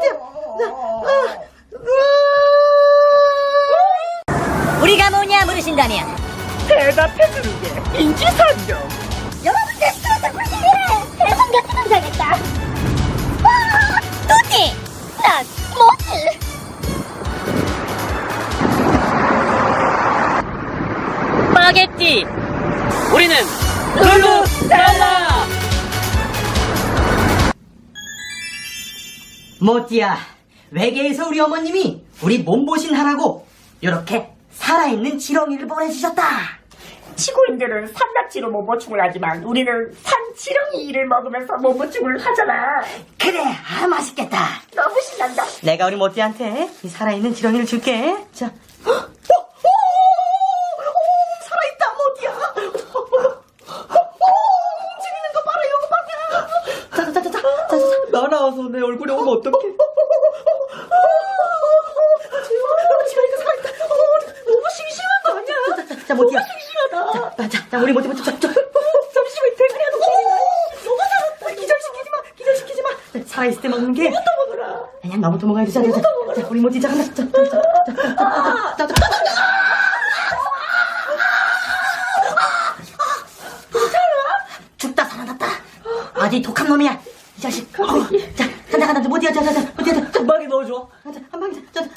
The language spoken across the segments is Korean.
우리가 뭐냐 물으신다면 대답해주는 게 인지상정. 여러분 테스트에서 꿀팁이래. 대선 같은 남자겠다. 와 뚜띠 난 뭐지? 스파게티. 우리는 룰루랄라. 모띠야, 외계에서 우리 어머님이 우리 몸보신 하라고 이렇게 살아있는 지렁이를 보내주셨다. 지구인들은 산낙지로 몸보충을 하지만 우리는 산지렁이를 먹으면서 몸보충을 하잖아. 그래, 아 맛있겠다. 너무 신난다. 내가 우리 모띠한테 이 살아있는 지렁이를 줄게. 자, 살아있다 모띠야. 움직이는 거 봐라, 이거 봐라. 자자자자자. 날아와서 내 얼굴에 오면 어떡해? 지렁이가 살아있다. 너무 심심한 거 아니야? 자, 모띠야. 자, 우리 모띠 잠시만 대가리야 너무 살았다. 기절시키지 마. 살아있을 때 먹는 게 이것도 먹어라. 아니야, 나부터 먹어야 돼. 자, 우리 모띠 자, 간다. 자. 죽다 살아났다. 아주 독한 놈이야, 이 자식. 자, 간다. 모띠야, 자, 모띠야, 한 방에 넣어줘. 한 방에,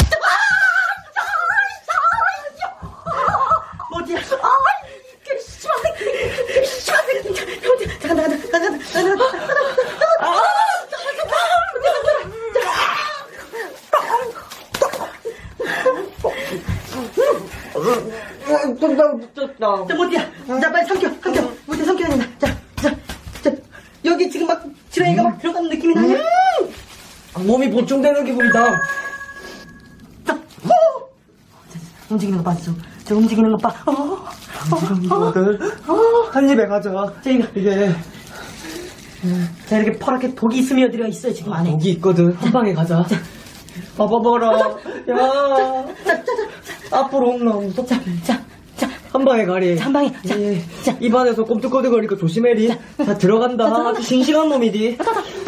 모띠야. 자, 간다. 자, 모띠야. 자, 빨리 삼켜. 모띠야, 삼켜야 된다. 자. 여기 지금 막 지렁이가 막 들어가는 느낌이 나냐? 몸이 보충되는 기분이다. 자, 움직이는 거 봐, 저 움직이는 거 봐. 이거들 한 입에 가자. 자, 이거. 이게 자, 이렇게 퍼렇게 독이 스며들어 있어요, 지금 안에. 여기 있거든. 한 방에 가자. 봐봐라. 야. 앞으로 온나 무섭다. 자, 한 방에 가리. 한 방에. 자. 입안에서 꼼틀꼼틀거리니까 조심해리. 자, 들어간다. 아주 싱싱한 놈이디.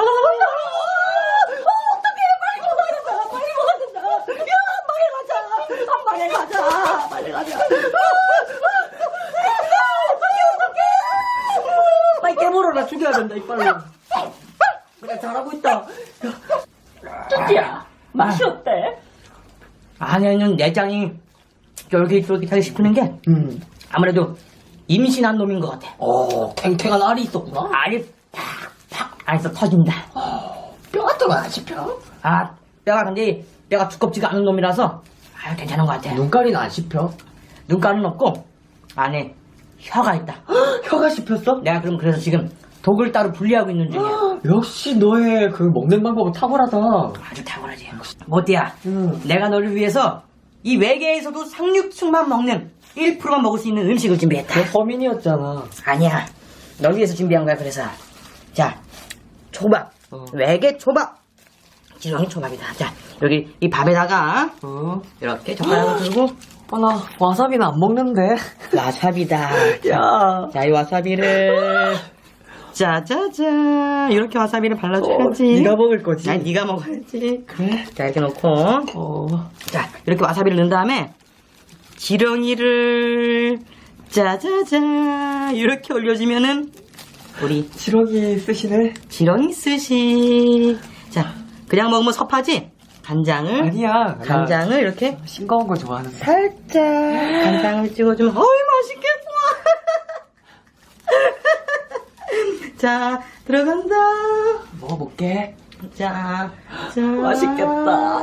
빨리 깨물어라. 죽여야 된다, 이빨로. 그래, 잘하고 있다. 뚜띠야, 맛이 어때? 안에는 내장이 쫄깃쫄깃하게 씹히는 게 아무래도 임신한 놈인 것 같아. 탱탱한 알이 있었구나. 알이 팍팍 안에서 터진다. 뼈가 들어가 씹혀? 아, 근데 뼈가 두껍지가 않은 놈이라서 아유, 괜찮은 것 같아. 눈가리는 안 씹혀. 눈가는 없고 안에 혀가 있다. 혀가 씹혔어? 내가 그래서 지금 독을 따로 분리하고 있는 중이야. 역시 너의 그 먹는 방법은 탁월하다. 아주 탁월하지. 모띠야, 내가 너를 위해서 이 외계에서도 상륙충만 먹는 1%만 먹을 수 있는 음식을 준비했다. 너 서민이었잖아. 아니야, 널 위해서 준비한 거야. 그래서 자, 초밥, 외계 초밥, 지렁이 초밥이다. 자, 여기 이 밥에다가 이렇게 젓가락을 들고 나 와사비는 안 먹는데. 와사비다. 야. 자, 이 와사비를 짜자자 이렇게 와사비를 발라줘야지. 네가 먹을 거지. 아니, 네가 먹어야지. 그래. 자, 이렇게 놓고 자, 이렇게 와사비를 넣은 다음에 지렁이를 짜자자 이렇게 올려주면은 우리 지렁이 쓰시네. 지렁이 스시. 자, 그냥 먹으면 섭하지? 간장을 아니야. 간장을 이렇게 싱거운 거 좋아하는데. 살짝 간장을 찍어주면 어이 맛있겠구만. 자, 들어간다. 먹어볼게. 자, 맛있겠다.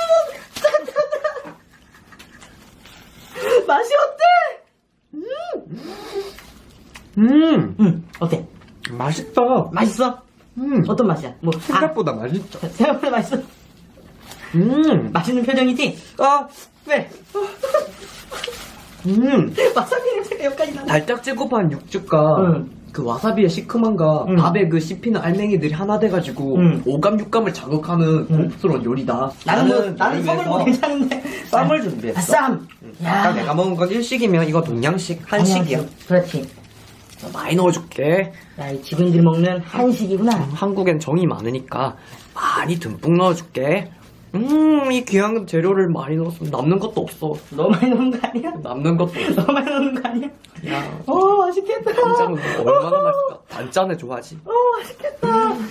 맛이 어때? 어때? 맛있다. 맛있어? 어떤 맛이야? 뭐 생각보다 맛있다. 생각보다 맛있어? 맛있는 표정이지? 왜? 와사비 냄새가 여기까지 나네. 달짝지근한 육즙과 그 와사비의 시큼함과 밥에 그 씹히는 알맹이들이 하나 돼가지고 오감 육감을 자극하는 고급스러운 요리다. 나는 썸을 뭐 괜찮은데. 쌈을 준비했어. 쌈. 아까 내가 먹은 건 일식이면 이거 동양식, 한식이야. 그렇지. 많이 넣어줄게. 야, 이 지구인들이 먹는 한식이구나. 한국엔 정이 많으니까 많이 듬뿍 넣어줄게. 이 귀한 재료를 많이 넣었으면 남는 것도 없어. 너무 많이 넣는 거 아니야? 남는 것도 없어. 너무 많이 넣는 거 아니야? 야, 맛있겠다. 간장은 얼마나 맛있을까? 단짠에 좋아하지. 맛있겠다.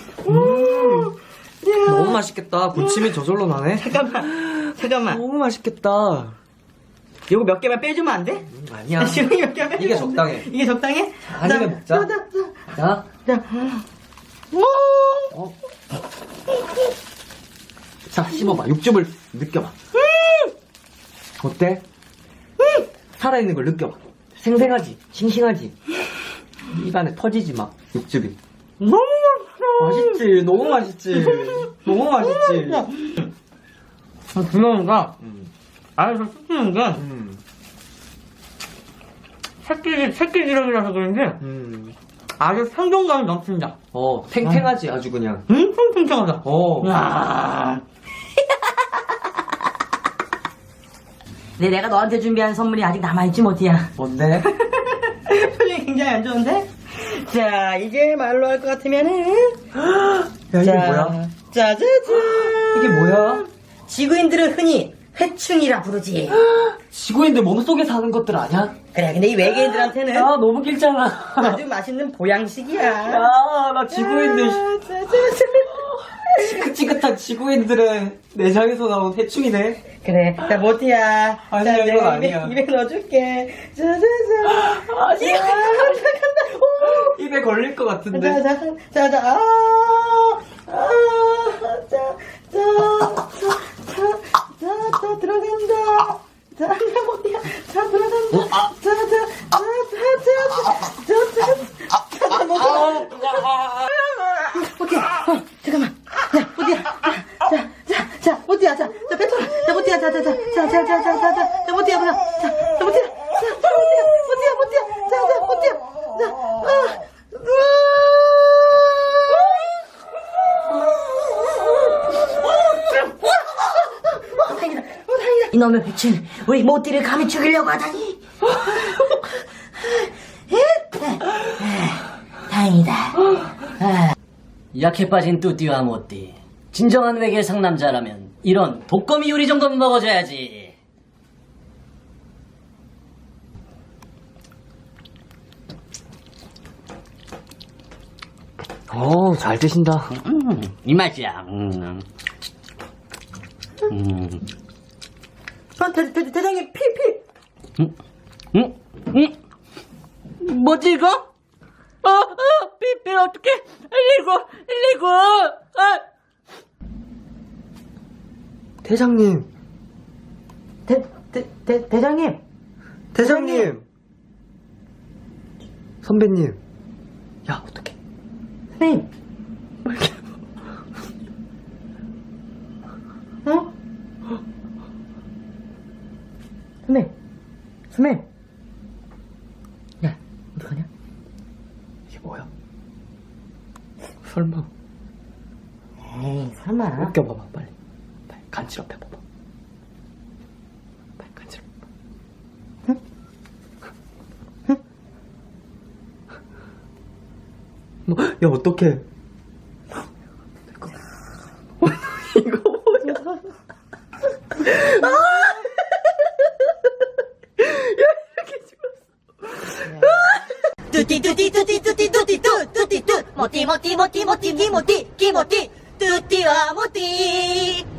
너무 맛있겠다. 부침이 저절로 나네. 잠깐만. 너무 맛있겠다. 이거 몇 개만 빼주면 안 돼? 아니야. 지렁이 몇 개만 빼주면 이게 안 돼? 적당해. 이게 적당해? 한 입에 먹자. 자, 자, 씹어봐. 육즙을 느껴봐. 어때? 살아있는 걸 느껴봐. 생생하지? 싱싱하지? 입안에 터지지 막, 육즙이. 너무 맛있지? 너무 맛있지? 너무 맛있지? 분명한가? 안에서 씹히는 게 새끼 지렁이라서 그런지 아주 생동감이 넘친다. 탱탱하지, 아주 그냥. 탱탱하다. 야. 근데 내가 너한테 준비한 선물이 아직 남아있지 못이야. 뭔데? 표정이 굉장히 안 좋은데? 자, 이게 말로 할 것 같으면은. 야, 이게 뭐야? 짜자잔. 이게 뭐야? 지구인들은 흔히 회충이라 부르지. 지구인들 몸속에 사는 것들 아냐? 그래, 근데 이 외계인들한테는 야, 너무 길잖아. 아주 맛있는 보양식이야. 야, 나 지구인들. 지긋지긋한 지구인들의 내장에서 나온 해충이네. 그래, 자, 모티야. 아니야, 자, 이건 내가 아니야. 입에 넣어줄게. 짜자잔. 아니야. 간다. 오. 입에 걸릴 것 같은데. 자, 들어간다. 자, 모티야. 자, 들어간다. 모티야. 잠깐만. 야, 모티야. 자, 모티야. 자, 뱉어라. 자, 모티야. 자, 모티야. 모티야. 다행이다. 이놈의 배춘 우리 모티를 감히 죽이려고 하다니. 다행이다. 약해 빠진 뚜띠와 모띠. 진정한 외계 상남자라면 이런 독거미 요리 정도는 먹어줘야지. 잘 드신다. 이 맛이야. 대장님, 피. 뭐지 이거? 삐 어떡해? 119. 대장님. 대장님. 대장님. 선배님. 야, 어떡해. 선생님. 어? 선배님. 야, 어떡하냐? 이게 뭐야? 설마. 에이, 설마. 웃겨봐봐, 빨리. 간지럽 해봐봐. 빨리 간지럽. 야, 어떡해. 이거 뭐야? 뚜띠 모띠와 모띠